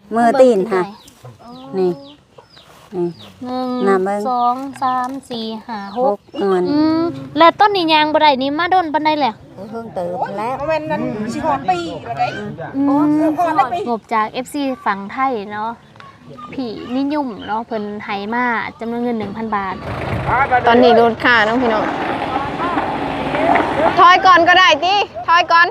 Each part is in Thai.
มือตีนค่ะนี่ 1 2 3 4 5 6 เงินแล้วต้นนี้ยางบ่ได้นี่มาโดนปานใดแหละเพิ่งเติบแล้วแม่นนั้นสิฮอดปีแล้วได้งบจาก FC ฝั่งไทยเนาะพี่นิยมเนาะเพิ่นให้มาจำนวนเงิน 1,000 บาทตอนนี้ลดค่าน้องพี่น้องถอยก่อนก็ได้ติถอยก่อน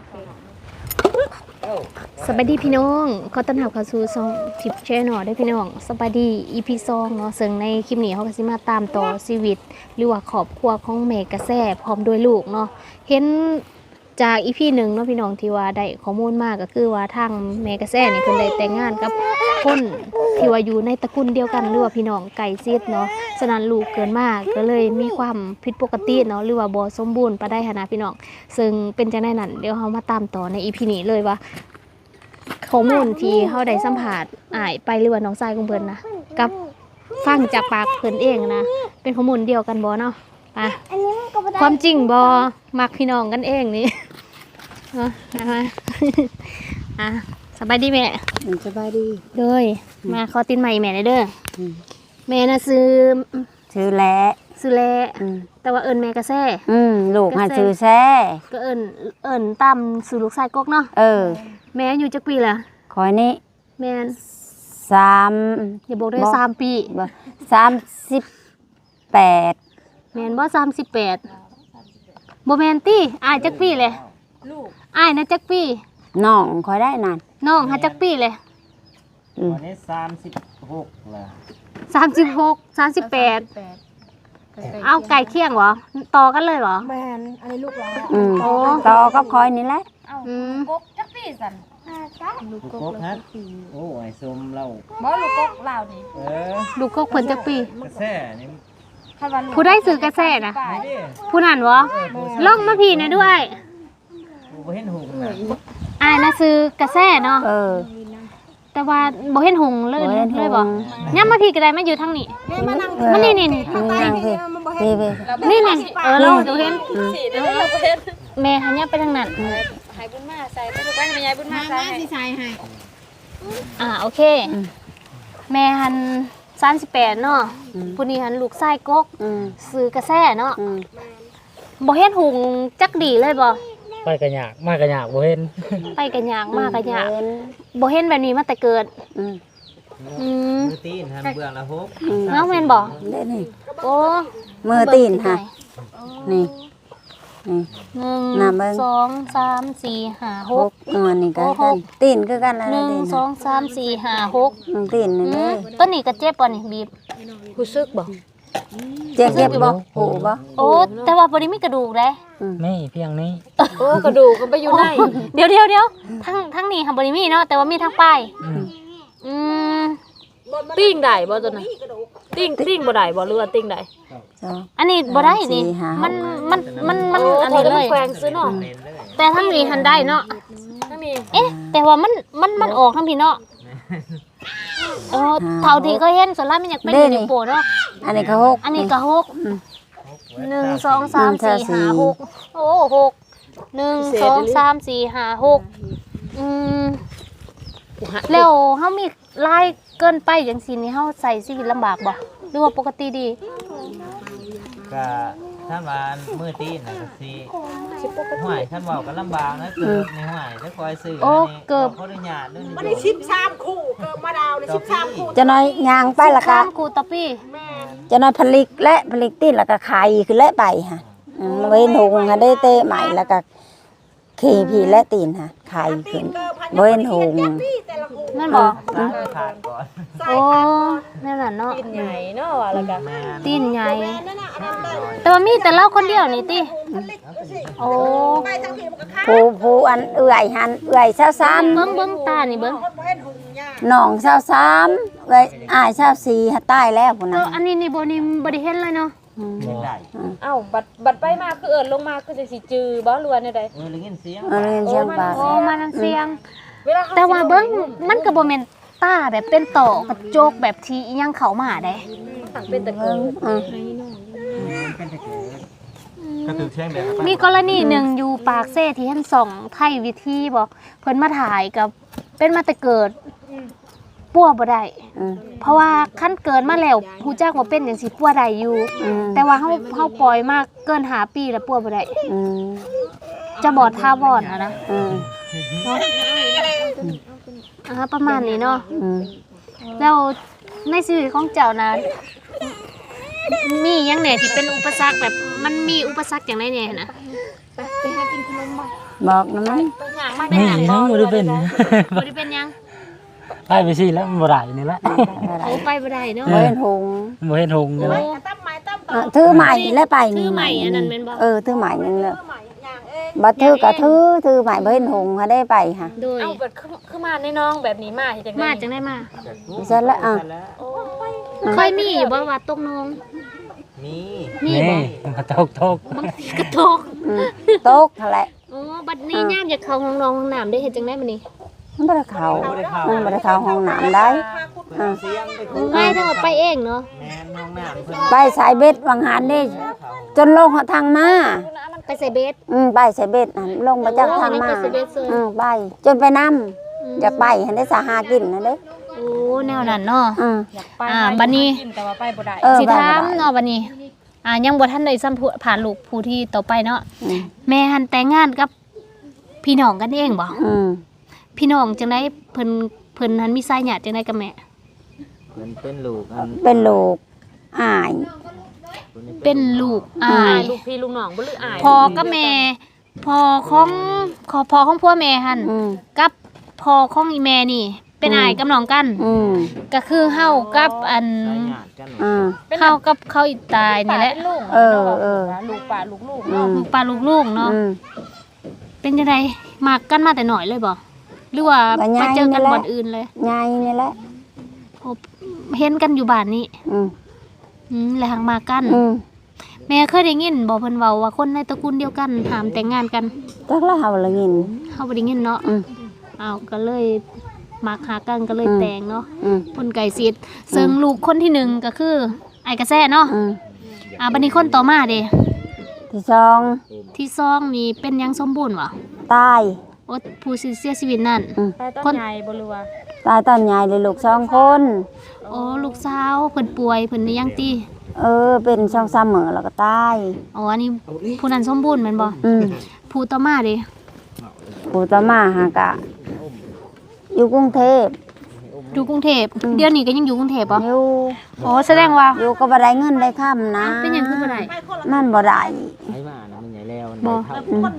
สวัสดีพี่น้องขอต้อนรับเข้าสู่ช่องทิปแชนแนลด้วยพี่น้องสวัสดี EP 2เนาะซึ่งในคลิปนี้เฮาก็สิมาตามต่อชีวิตหรือว่าครอบครัวของแม่กระแสพร้อมด้วยลูกเนาะเห็นจาก EP 1เนาะพี่น้องที่ว่าได้ข้อมูลมาก็คือว่าทางแม่กระแสนี่เพิ่นได้แต่งงานกับคนที่ว่าอยู่ในตระกูลเดียวกันหรือว่าพี่น้องไก่ซิดเนาะฉะนั้นลูกเกินมากก็เลยมีความผิดปกติเนาะหรือว่าบ่สมบูรณ์ปานใดหันนะพี่น้องซึ่งเป็นจังได๋นั้นเดี๋ยวเฮามาตามต่อใน EP นี้เลยว่าข้อมูลที่เฮาได้สัมภาษณ์อ้ายไปหรือว่าน้องชายของเพิ่นนะกับฟังจากปากเพิ่นเองนะเป็นข้อมูลเดียวกันบ่เนาะอ่ะความจริงบ่มักพี่น้องกันเองนี่เนาะนะคะอ่ะสบายดีแม่สบายดีเลยมาขอตินใหม่แม่เด้อแม่น่ะซื้อแล้แต่ว่าเอิ้นแม่กระแซ่ลูกหาซื้อแซ่ก็เอิ้นตามซื้อลูกชายกกเนาะแม่อยู่จักปีล่ะคอยนี้แม่น 3 อย่าบอกได้3ปีบ่38 แม่นบ่38บ่แม่นติอ้ายจักปีเลยลูกอ้ายน่ะจักปีน้องคอยได้นั่นน้องหาจักปีเลยวันนี้36ล่ะ 36 38เอาไก่เคียงเหรอต่อกันเลยเหรอแม่นอันนี้ลูกหลานโอ้ต่อกับคอยนี่แหละกกจักปีสั่นลูกกกฮะโอ้ไอ้สมเราบ่ลูกกกลาวนี่ลูกกกเพิ่นจักปีกระแซ่นี่ผู้ได้ซื้อกระแซ่นะผู้นั่นวะลงมาพี่นะด้วยบ่เห็นหูน่ะอ้ายน่ะซื้อกระแซ่เนาะแต่ว่าบ่เห็นหงเลยบ่ย่ำมาพี่ก็ได้มาอยู่ทางนี้มันนี่นี่เราเห็นแม่หันย่ำไปทางนั้นให้บุญมาใส่ไปลูกไปให้ยายบุญมาใส่สิใส่ให้โอเคแม่หัน38เนาะผู้นี้หันลูกชายกกซื้อกระแซ่เนาะบ่เห็นหงจักดีเลยบ่ไปกันยากมากกันยากบ่เห็นไปกันยากมากกันยากบ่เห็นแบบนี้มาแต่เกิดมือตีนทำเบื้องละ6 น้องแม่นบ่ได้นี่โอ้มือตีนค่ะนี่ 1 2 3 4 5 6 เงินนี่ก็กันตีนคือกันแล้ว 1 2 3 4 5 6 ตีนนี่เลยต้นนี้ก็เจ็บป่ะนี่บีบรู้สึกบ่เจ็บบ่หูบ่โอ้แต่ว่าบ่ได้มีกระดูกเด้นี่เพียงนี้โอ้กระดูกก็ไปอยู่ในเดี๋ยวทั้งนี้ค่ะบ่ได้มีเนาะแต่ว่ามีทั้งปลายติ้งได้บ่ตัวนั้นติ้งบ่ได้บ่หรือว่าติ้งได้อันนี้บ่ได้นี่มันอันนี้เลยแขวงซื้อเนาะแต่ทั้งนี้หันได้เนาะทั้งนี้แต่ว่ามันออกทั้งพี่เนาะเท่าที่เคยเห็นส่วนล่ามันอยากเป็นนิ้วโป้เนาะอันนี้ก็6 อันนี้ก็6 1 2 3 4 5 6โอ้6 1 2 3 4 5 6แล้วเฮามีลายเกินไปจังซี่นี่เฮาใส่ชีวิตลำบากบ่หรือว่าปกติดีก็ท่านว่ามือตีนน่ะก็สิห้วยท่านเว้ากันลำบากนะเกิดในห้วยจะคอยซื้อนี่เกิดขออนุญาตเด้อบ่ได้13คู่เกิดมาดาวได้13คู่จะน้อยยางไปละก็ 13คู่ต่อปีจะน้อยผลิตตีนแล้วก็ไข่คือและไปค่ะเว้นหงค่ะได้เตะใหม่แล้วก็พี่และตีนค่ะไข่ขึ้นเว้นหงนั่นบ่ขาดก่อนโอ้นั่นน่ะเนาะตีนใหญ่เนาะว่าแล้วก็ตีนใหญ่แต่ว่ามีแต่เราคนเดียวนี่ติโอ้ผู้อันเอื่อยหันเอื่อย23 เบิ่งตานี่เบิ่งน้อง23เอื่อยอ้าย24หาตายแล้วพุ่นน่ะอันนี้นี่บ่ได้เห็นเลยเนาะเอ้าบัดไปมาคือเอิ้นลงมาคือจังสิจือบ่หรือว่าแนวใดได้ยินเสียงปากมันเสียงแต่ว่าเบิ่งมันก็บ่แม่นตาแบบเป็นต่อกระจกแบบที่อีหยังเข้ามาได้เป็นตะเกิงก็ถือแช่งแบบมีกรณีหนึ่งอยู่ปากเซ่ที่ท่านส่องไทยวิธีบอกเพิ่นมาถ่ายกับเป็นมาแต่เกิดปัวบ่ได้อืมเพราะว่าคันเกินมาแล้วฮู้จักว่าเป็นจังซี่ปัวได้อยู่อืมแต่ว่าเฮาปล่อยมาเกิน5ปีแล้วปัวบ่ได้อืมจะบอดท่าบอดนะอืมประมาณนี้เนาะอืมแล้วในชีวิตของเจ้านะมีหยังแหน่ที่เป็นอุปสรรคแบบมันมีอุปสรรคอย่างไรเนี่ยนะบอกนะมั้ยเป็นหยังทั้งบ่ได้เป็นบ่ได้เป็นหยังไปไปสิแล้วมันบ่ได้นี่ละโอ้ไปบ่ได้เนาะบ่เห็นหงบ่เห็นหงนี่ละถือใหม่แล้วไปถืนี่อใหม่อันนั้นแม่นบ่ถือใหม่นั่นแหละบ่ถือก็ถือใหม่บ่เห็นหงหาได้ไปค่ะโดยเอาเบิดคือมาในน้องแบบนี้มาเฮ็ดจังได๋มาจังได้มาเสร็จแล้วเคยมีอยู่บ่ว่าตกนงมีมีนี่บ่มาตกบางทีก็ตกตกนั่นแหละโอ้บัดนี้ยามอยากเข้าห้องนอนห้องน้ำได้เฮ็ดจังได๋มื้อนี้มันบ่ได้เข้ามันบ่ได้เข้าห้องน้ำได้อ่าเสียงไปคุง่ายถ้าว่าไปเองเนาะแม่นห้องน้ำเพิ่นไปสายเบ็ดวังหันนี่จนลงทางมาไปใส่เบสไปสายเบ็ดนั่นลงมาจากทางมาไปสายเบ็ดเลยไปจนไปนำอยากไปหันได้สาหากินนั่นเด้โอ้แนวนั้นเนาะอยากไปบัดนี้กินแต่ว่าไปบ่ได้สิถามเนาะบัดนี้ยังบ่ทันได้สัมผัสผ่านลูกผู้ที่ต่อไปเนาะอืมแม่หันแต่งงานกับพี่น้องกันเองบ่อืมพี่น้องจังได๋เพิ่นหันมีสายญาติจังได๋กับแม่เพิ่นเป็นลูกอันเป็นลูกอ้ายเป็นลูกอ้ายลูกพี่ลูกน้องบ่หรืออายพ่อกับแม่พ่อของพ่อของพ่อแม่หันอืมกับพ่อของอีแม่นี่ เป็นอ้ายกับน้องกันอืมก็คือเฮากับอันสายญาติกันอ่าเฮากับเขาอีตายนี่แหละลูกเออลูกป่าลูกลูกอืมลูกปลาลูกๆเนาะอืมเป็นจังไดมักกันมาแต่น้อยเลยบ่หรือว่าก็ย้ายไปเจอกันนี่แหละบ่อนอื่นเลยยายนี่แหละเห็นกันอยู่บ้านนี้อืมแล้วหังมากันอืมแม่เคยได้ยินบอกเพิ่นเว้าว่าคนในตระกูลเดียวกันห้ามแต่งงานกันจักละเฮาละยินเฮาบ่ได้ยินเนาะอืมอ้าวก็เลยมักหากันก็เลยอืมแต่งเนาะอืมคนไก่สิทธิ์ซึ่งลูกคนที่หนึ่งก็คือไอ้กระแสเนาะอืมบัดนี้คนต่อมาเด้ที่สองที่สองนี่เป็นหยังสมบูรณ์บ่ตายโอ้ผู้เสียชีวิตนั่นแต่ต้นใหญ่บ่รู้ว่าตายตอนใหญ่เลยลูกสองคนโอ้ลูกสาวเพิ่นป่วยเพิ่นนี่ยังติเป็นช่องซ้ำเหมือแล้วก็ตายอ๋ออันนี้ผู้นั้นสมบูรณ์แม่นบ่อืมผู้ต่อมาเด้ปู่ตามาหากะ อยู่กรุงเทพอยู่กรุงเทพเดี๋ยวนี้ก็ยังอยู่กรุงเทพบ่อยู่อ๋อแสดงว่าอยู่ก็บ่ได้เงินได้ค่ำนะเป็นหยังคือบ่ได้มันบ่ได้ไอ้มานะมันใหญ่แล้วบ่อืม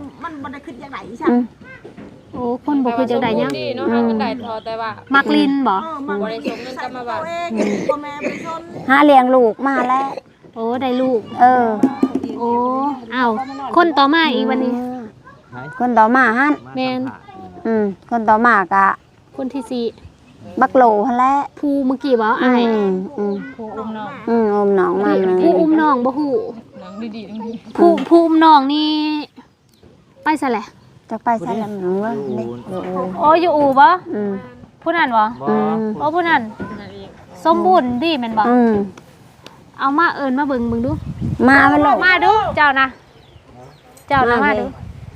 โอ้คนบ่คือจังได๋ยังดีเนาะหาเงินได้ทอแต่ว่ามักลินบ่บ่ได้ส่งเงินกลับมาบ้านหาเลี้ยงลูกมาแล้วโอ้ได้ลูกเออโอ้อ้าวคนต่อมาอีกวันนี้คนต่อมาหั่นแม่นคนต่อมากะคนที่สี่บักโหลหั่นแหละผู้เมื่อกี้บ่อ้ายผู้อุ้มน้องอมน้องมาเลยผู้อุ้มน้องบ่ฮู้น้องดีๆผู้อุ้มน้องนี่ไปซะแหละจักไปซะแล้วหนูว่าเด็กอยู่โอ้อยู่อู่บ่อืมผู้นั้นบ่บ่โอ้ผู้นั้นนั่นเองสมบูรณ์ดีแม่นบ่อืมเอามาเอิ้นมาเบิ่งดูมาไปลูกมาดูเจ้านะเจ้านะมามาเลดูย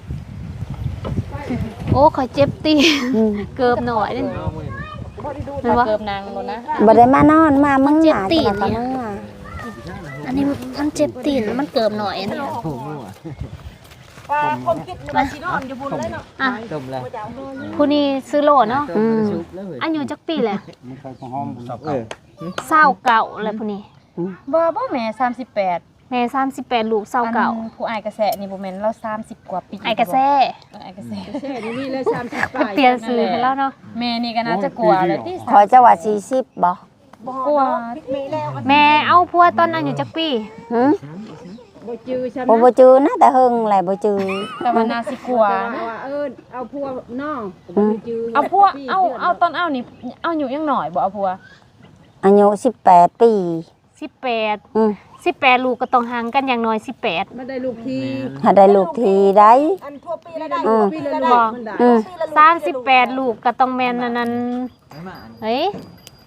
โอ้ข่อยเจ็บตีอืมเกือบหน่อยนึงถ้าเกิบนางโดนนะบ่ได้มานอนมามึงเจ็บหาตีนจังเนี่หยวะอันนี้มันเจ็บตีนมันเกือบหน่อยอันนี้โอ้โหมั่วอ่ะต้มแล้วผู้นี้ซื้อโหลเนาะอืมชุบแล้วเว้ยอายุจักปีแหละเออเศร้าเก่าอะไรผู้นี้บ่แม่38 แม่38ลูกเศร้าเก่าอันผู้อายกระแสนี่บ่แม่นเรา30กว่าปีไอ้กระแซอายกระแสเปลี่ยนซื้อไปแล้วเนาะแม่นี่ก็น่าจะกลัวแล้วที่ขอจังหวัด40บ่กลัวแม่เอาผัวตอนอายุจักปีหึบ่จือนะแต่เฮิงแหละบ่จือแต่ว่าน่าสิกลัวนะเอาพวกน้องอืมเอาพวกเอาตอนเอานี่เอาอยู่ยังหน่อยบ่เอาพัวอายุ18 ปี 18 อืม 18ลูกก็ต้องห่างกันอย่างน้อย18 มาได้ลูกทีหาได้ลูกทีได้อันทั่วปีละได้อืมปีละลูกมันได้อืม 38ลูกก็ต้องแม่นอันนั้นไอ้มาเฮ้ย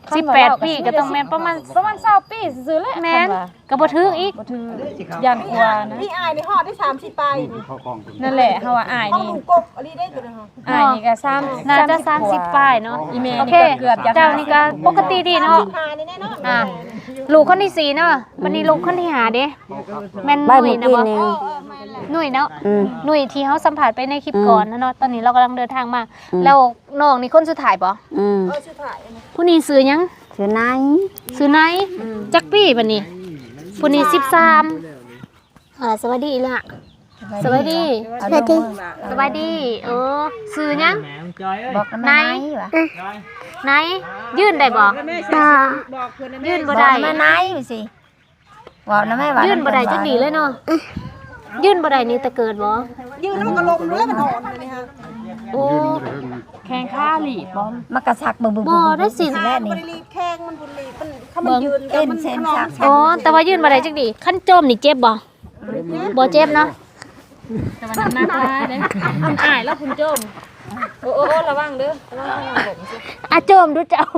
18 ปีก็ต้องแม่นประมาณ 20ปีซื่อๆแหละแม่นก็บ่ถึงอีกบ่ถือยันกว่านะพี่อายในฮอดได้30ปลายนี่นั่นแหละเฮาว่าอ้ายห้องนี่ลุงกบอันนี้ได้ตัวนึงอ้ายนี่ก็3 น่าจะ30ปลายเนาะอีเมลโอนี่เคก็เกือบจะเจ้านี่ก็ปกติดีเนาะพานี่แน่นอนอ่ะลูกคนที่4เนาะบัดนี้ลูกคนที่5เด้แม่นหใบนุ่ยเมื่อนะกี้บ่นี่หนุ่ยเนาะอืมหนุ่ยที่เฮาสัมภาษณ์ไปในคลิปก่อนนะเนาะตอนนี้เรากำลังเดินทางมา แล้วน้องนี่คนสุดท้ายบ่อืมชื่อถ่ายผู้นี้ซื้อหยังชื่อไหนซื้อไหนจักปี้บัดนี้ผู้นี้13สวัสดีล่ะสวัสดีสวัสดีสวัสดีซื้อหยังแหมมจอยเอ้ยบอกกันไหนวะจอยไหนยื่นได้บ่บอกเพิ่นนะยื่นบบ่อกได้มาไหนไปสิบอกนะแม่ว่ายื่ยื่นบ่ได้จักดีเลยเนาะยื่นบ่ได้นี่แต่เกิดบ่ยืนแล้วมันก็ลมแล้วมันอ่อนเลยนี่ฮะโอ้แข่งข้าหลีบ่มากระสักบึ้งบึ้งบ่ได้สิแน่มันนี่บ่ได้รีบแข้งมันบ่รีบมันถ้ามันยืนเต้นเส้นชักอ๋อแต่ว่ายื่นบ่ได้จักดีขั้นโจมนี่เจ็บบ่บ่เจ็บเนาะแต่ว่าน้ำหนักหลายเด้คุณอ้ายแล้วคุณโจมโอ้ระวังเด้อระวังทางผมสิอ่ะโจมดูเจ้า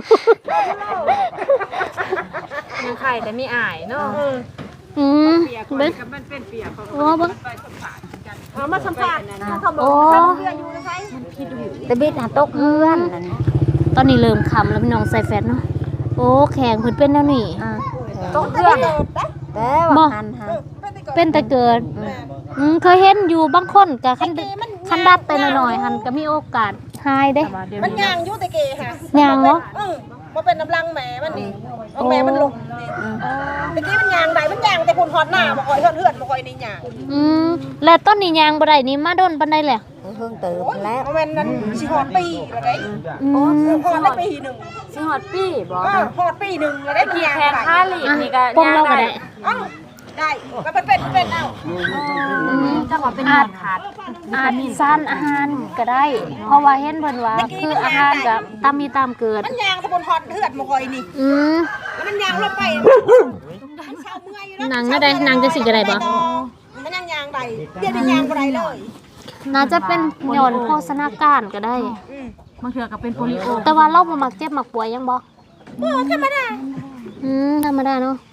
ยังไข่แต่มีอ้ายเนาะเบิ่งโอ้เบิ่งเอามาสัมภาษณ์เขาบอกโอ้เรืออยู่นะคะตะบิดหาตกเพื่อนนั่นตอนนี้เริ่มค่ำแล้วพี่น้องใส่แฟตเนาะโอ้แข็งเพิ่นเป็นแนวนี้อ่าตกเครื่องแต่ว่าคันฮะเป็นแต่เกิดเคยเห็นอยู่บางคนก็คันดัดไปหน่อยๆหันก็มีโอกาสหายเด้มันย่างอยู่แต่เกค่ะย่างเนาะมาเป็นน้ำลังแหมมันนี่เอาแหมมันลงเมื่อกี้มันยางใดมันยางแต่คนหอดหน้าบ่คอยเฮือนบ่คอยนี่ยางแล้วต้นนี้ยางบ่ได้นี่มาโดนปานใดแหละเพิ่งตื่นแล้วเอาแม่นนั้นสิหอดปีแล้วได้หอดได้ปีหนึ่งสิฮอดปีบ่หอดปีหนึ่งแล้วได้ขี่ยางแข่งข้าหลีนี่ก็ปงเราก็ได้เอ้าได้ก็เป็นเอ้าจังหวะเป็นขาดอาจสร้างอาหารก็ได้ เพราะว่าเห็นเพิ่นว่าคืออาหารก็ตามมีตามเกิดมันยางแต่คนหอดเฮือนบ่คอยนี่ แล้วมันยางลงไปมันเช้าเมื่อยอยู่แล้วนางก็ได้นางจะสิก็ได้บ่มันยังยางใดเดี๋ยวเป็นยางบ่ได้เลยน่าจะเป็นหย่อนโภชนาการก็ได้บางเทื่อก็เป็นโปลิโอแต่ว่าเราบ่มักเจ็บมักป่วยยังบ่ธรรมดาธรรมดาเนาะ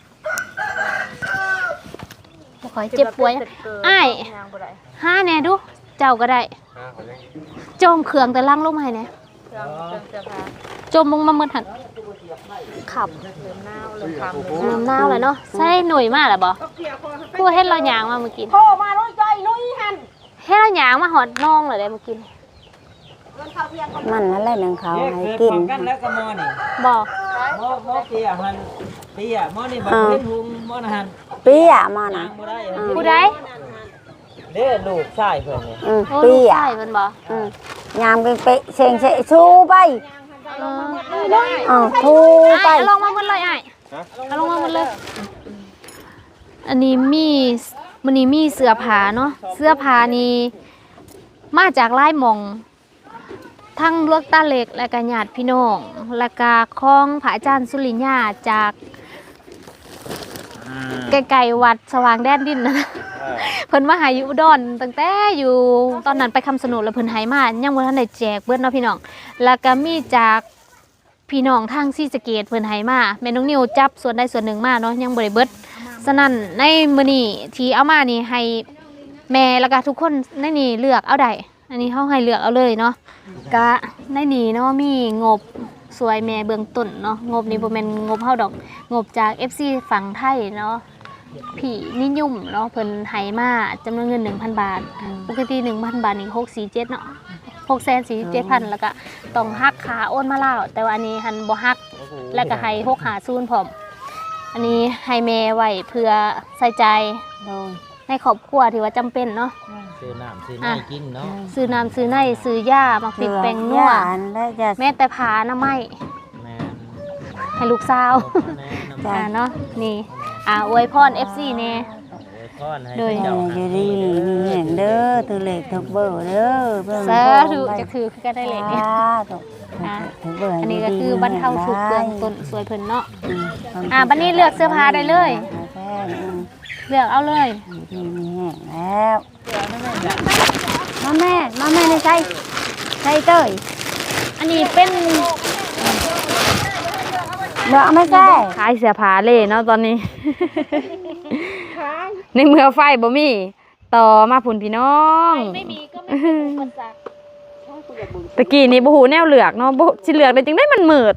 บ่ค่อยเจ็บป่วยอ้ายหาแหน่ดู เจ้าก็ได้จมเครื่องแต่ล้างลงมาให้แหน่จมลงมาหมดหั่นขับน้ำหนาวเลยเนาะใช่หน่วยมากแหละบ่กูเฮ็ดเราหยางมาเมื่อกี้โทรมาลุยจอยลุยหันเฮ็ดเราหยางมาหอดน้องเลยได้เมื่อกี้มันนั่นแหละหนึ่งเขาเอ๊ะให้เกิดกิพนร้อมกันแล้วก็มอนี่บ่มอเปียหันเปียมอนี่บักเล่นหุงมอนะหันเปี้ยมานะบ่ได้ผู้ใดเด้อลูกชายเพิ่นนี่โอ้ลูเปี้กยชายเพิ่นบ่ยามกันไปเสียงเสะชูไปทูไปอ้ายเอาลงมาหมดเลยอ้ายเอาลงมาหมดเลย อันนี้มีมื้อนี้มีเสื้อผ้าเนาะเสื้อผ้านี่มาจากหลายหม่อง ทั้งลวกตาเล็กและก็ญาติพี่น้อง และก็ของพระอาจารย์สุริญญาจากไกลๆวัดสว่างแดนดินนะ เพิ่นมาหาอยู่อุดรตั้งแต่อยู่ตอนนั้นไปคำสนุนแล้วเพิ่นให้มายังบ่ทันได้แจกเบิดเนาะพี่น้องแล้วก็มีจากพี่น้องทางศรีสะเกษเพิ่นให้มาแม่น้องนิวจับส่วนใดส่วนหนึ่งมาเนาะยังบ่ได้เบิดฉะนั้นในมื้อนี้ที่เอามานี่ให้แม่แล้วก็ทุกคนในนี่เลือกเอาได้อันนี้เฮาให้เลือกเอาเลยเนาะก็ในนี่เนาะมีงบสวยแม่เบื้องต้นเนาะงบนี้บ่แม่นงบเฮาดอกงบจาก FC ฝั่งไทยเนาะ ผีนิยมเนาะเพิ่นให้มาจำนวนเงิน 1,000 บาท ปกติ 1,000 บาทนี่647เนาะ647,000แล้วก็ต้องหักค่าโอนมาแล้วแต่ว่าอันนี้หันบ่หักแล้วก็ให้650พร้อมอันนี้ให้แม่ไว้เพื่อใส่ใจในครอบครัวที่ว่าจำเป็นเนาะซื้อน้ำซื้อในกินเนาะซื้อน้ำซื้อในซื้อยามักติดแป้งนัวแล้วจะแม้แต่ผ้าอนามัยแม่ให้ลูกสาวแม่น้ำเนาะนี่อวยพร FC แน่พรให้อยู่เจ้าดีมีเห็นเด้อถือเหล็กถือเบอร์เด้อเพื่อนสาธุจะถือคือกันได้เลยเนี่ยถือเบอร์อันนี้ก็คือบรรเทาทุกข์เบื้องต้นสวยเพิ่นเนาะบัดนี้เลือกเสื้อผ้าได้เลย เลือกเอาเลยดีมีแห้งแล้วมาแม่ในใจเต้ยอันนี้เป็นเนาะไม่ใช่ขายเสื้อผ้าเลยเนาะตอนนี้ ในเมื่อไฟบ่มีต่อมาพุ่นพี่น้องไม่มีก็ไม่มีอุปสรรคตะกี้นี่บ่ฮู้แนวเลือกเนาะบ่สิเลือกได้จังได๋มันมืด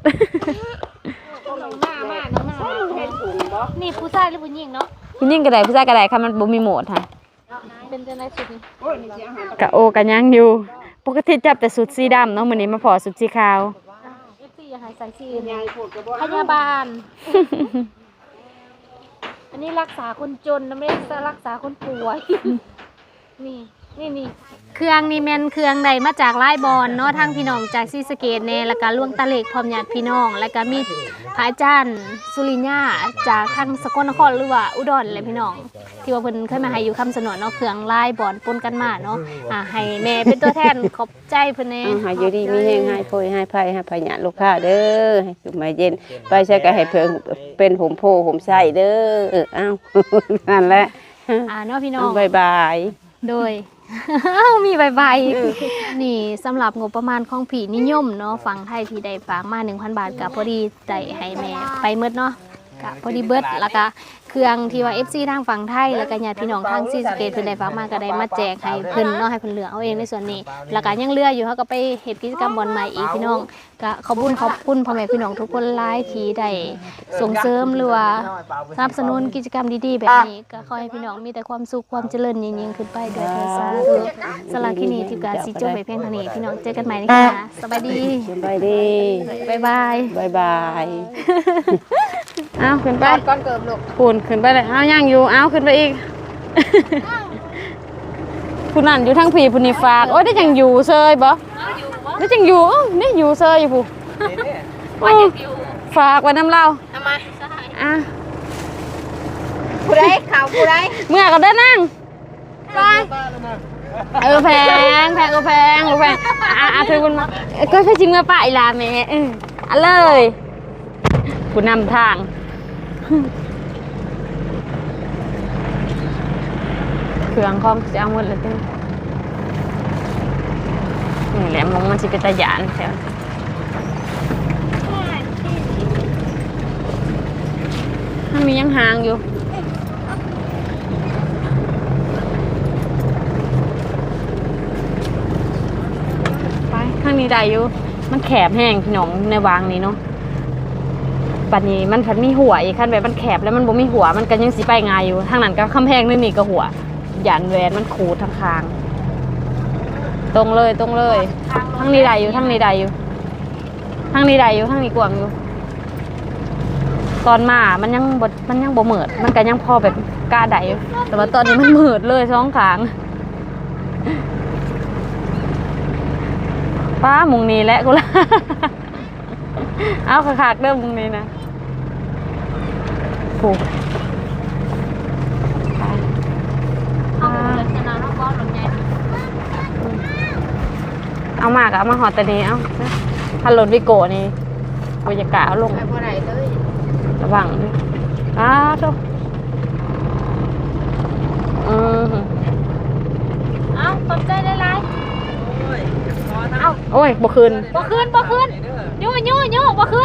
นี่ผู้ชายหรือผู้หญิงเนาะผู้หญิงก็ได้ผู้ชายก็ได้ค่ะมันบ่มีโหมดค่ะเป็นจังได๋สุดนี่กะโอกะยังอยู่ปกติจับแต่สุดสีดำเนาะมื้อนี้มาพอสุดสีขาว FC อย่าให้ใส่สีอื่นพยาบาล อันนี้รักษาคนจนนะไม่ได้รักษาคนป่วย นี่เครื่องนี่แม่นเครื่องใดมาจากไร่บอลเนาะทางพี่น้องจากศรีสะเกษแน่แล้วก็ล่วงตะเล็กพร้อมญาติพี่น้องแล้วก็มีพระอาจารย์สุริญญาจากทางสกลนครหรือว่าอุดรแหละพี่น้องที่ว่าเพิ่นเคยมาให้อยู่คำสนวนเนาะเครื่องไร่บอลปนกันมาเนาะให้แม่เป็นตัวแทนขอบใจเพิ่นแน่หายอยู่ดีมีแห้งหายโพยหายไผ่หายพญาลูกค้าเด้อให้สุขมาเย็นไปใช้ก็ให้เพิ่งเป็นผมโพผมใส่เด้ออ้าว นั่นแหละเนาะพี่น้องบายบายโดย มีใบนี่สำหรับงบประมาณของผีนิยมเนาะฝั่งไทยที่ได้ฝากมา 1,000 บาทกับพอดีได้ให้แม่ไปเมดเนาะกะพอดีเบิดแล้วก็เครื่องที่ว่า FC ทางฝั่งไทยแล้วก็ญาติพี่น้องทางศรีสะเกษเพิ่นได้ฝากมาก็ได้มาแจกให้เพิ่นเนาะให้เพิ่นเหลือเอาเองในส่วนนี้แล้วก็ยังเหลืออยู่เฮาก็ไปเฮ็ดกิจกรรมบอลใหม่อีกพี่น้องก็ขอบคุณพ่อแม่พี่น้องทุกคนหลายที่ได้ส่งเสริมหรือว่าสนับสนุนกิจกรรมดีๆแบบนี้ก็ขอให้พี่น้องมีแต่ความสุขความเจริญยิ่งๆขึ้นไปโดยเถิดสาธุสำหรับคลิปนี้ที่การสิจบไปเพียงเท่านี้พี่น้องเจอกันใหม่ในคลิปหน้าสบายดีสบายดีบ๊ายบายบายบายเอาขึ้นไปก่อนเกิบลูกปูนขึ้นไปเลยเอาย่างอยู่เอาขึ้นไปอีก ผู้นั่นอยู่ทั้งผีผู้นี่ฝากโอ้ยได้จังอยู่เซยบ่ได้จังอยู่นี่อยู่เซยอยู่ผู้ฝากไว้น้ำเล่าทำไมอ่ะผู้ใดข่าวผู้ใดเมื่อก็ได้นั่งไปแพงแพงก็แพงก็แพงเธอคุณมาก็แค่จริงเมื่อป้าอีลาแม่เลยผู้นำทางเครื่องคอมจะเอาหมดเลยจ้ะนี่แหละมองมันสิเป็นตาหยานแถวมันมียังหางอยู่ไปข้างนี้ได้อยู่มันแคบแห้งพี่น้องในวางนี้เนาะปัจนี้มันผัดมีหัวอีกขั้นแบบมันแคบแล้วมันบ่มีหัวมันก็ยังสิไปง่ายอยู่ทางนั้นก็คำแพงนี่ก็หัวหยันแหวนมันขูดทางคางตรงเลยทางนี้ได้อยู่ทางนี้ได้อยู่ทางนี้ได้อยู่ทางนี้กว้างอยู่ตอนมามันยังบ่เหมิดมันก็ยังพอแบบกล้าได้อยู่แต่ว่าตอนนี้มันเหมิดเลยสองขางป้ามุงนี้แหละกูละ เอาขาดเริ่มมุงนี้นะผูกเอามากเอามาหอดแต่นี้เอาถ้ารถวิโก้นี่บรรยากาศเอาลงไปบ่ได้เลยระวังด้วยทุกเอาขอบใจหลายโอ้ยบ่คืนๆบ่คืนโย่บ่คืน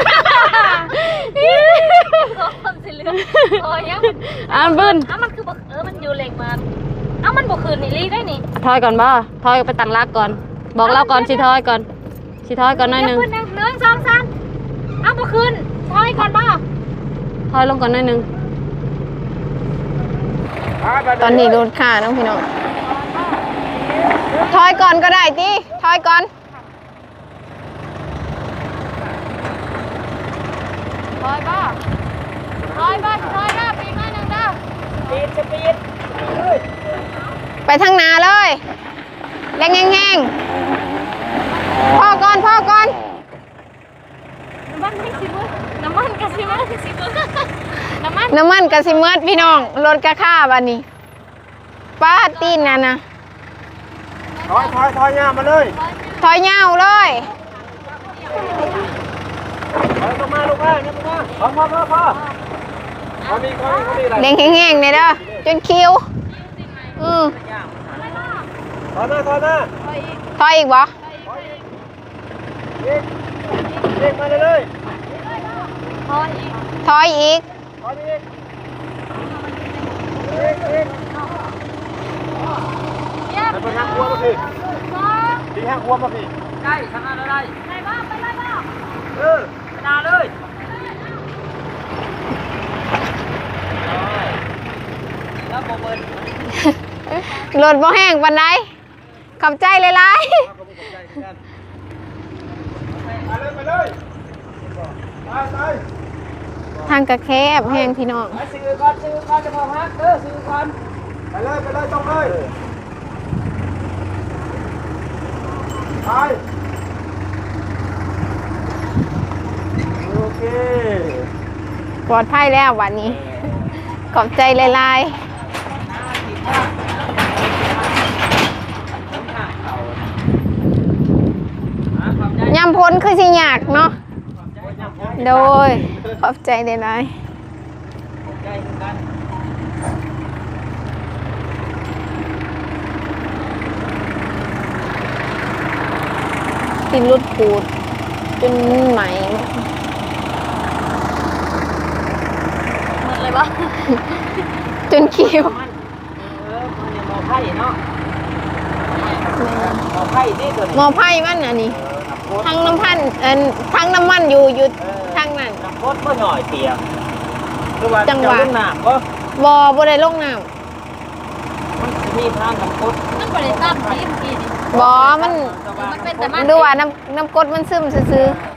คนสิเหลือโอ้ยยังบึ้นมันคือมันอยู่เหล็กมันมันบ่คืนนี่ลีได้นี่ถอยก่อนบ่ถอยไปตั้งรักก่อน บอกเราก่อนสิถอยก่อนหน่อยหนึง 1 2 3บ่คืนถอยก่อนบ่ถอยลงก่อนหน่อยหนึงตอนนี้รถค่ะน้องพี่น้องถอยก่อนก็ได้ติถอยก่อนถอยบ่ถอยได้ปีกหน่อยนึงเด้อไปทางหนาเลยแรงแห้งๆพ่อก่อนน้ำมันกะสิมืดน้ำมันน้ำมันกะสิเมิดพี่น้องรถกะค่าบัดนี้ป้าตีนนั่นนะถอยยาวมาเลยถอยยาวเลยเด้งแห้งๆเนี่ยเด้อจนคิวถอยอีกบ่ถอยอีกไปทางครัวมาพี่ที่ทางครัวมาพี่ได้ทำอะไรไปบ้างไปบ้างไปนาเลยแล้วโมเบิร์นรถบ่แห้งปานใดขอบใจหลายๆทางกระแคบแห้งพี่น้องซื้อก่อนจะพอพักซื้อก่อนไปเลยต้องเลยไปโอเคปลอดภัยแล้ววันนี้ ขอบใจหลายๆยำพ้นคือสิยากเนาะโดยขอบใจหลายๆติดรุดปูดจนไหม จนคิวมันยังมอไผ่เนาะมอไผ่นี่ตัวนี้หมอไพ่มันอันนี้ทั้งน้ำพันทั้งน้ำมันอยู่ทางนั้นน้ำพดก็หน่อยเตียงคือว่าจังหวะเจ้าลูกหนามก็บ่ได้ลงน้มันจะมีทางน้ำพดำบ่มันดูว่าน้ำกรดมันซึมซื่อๆ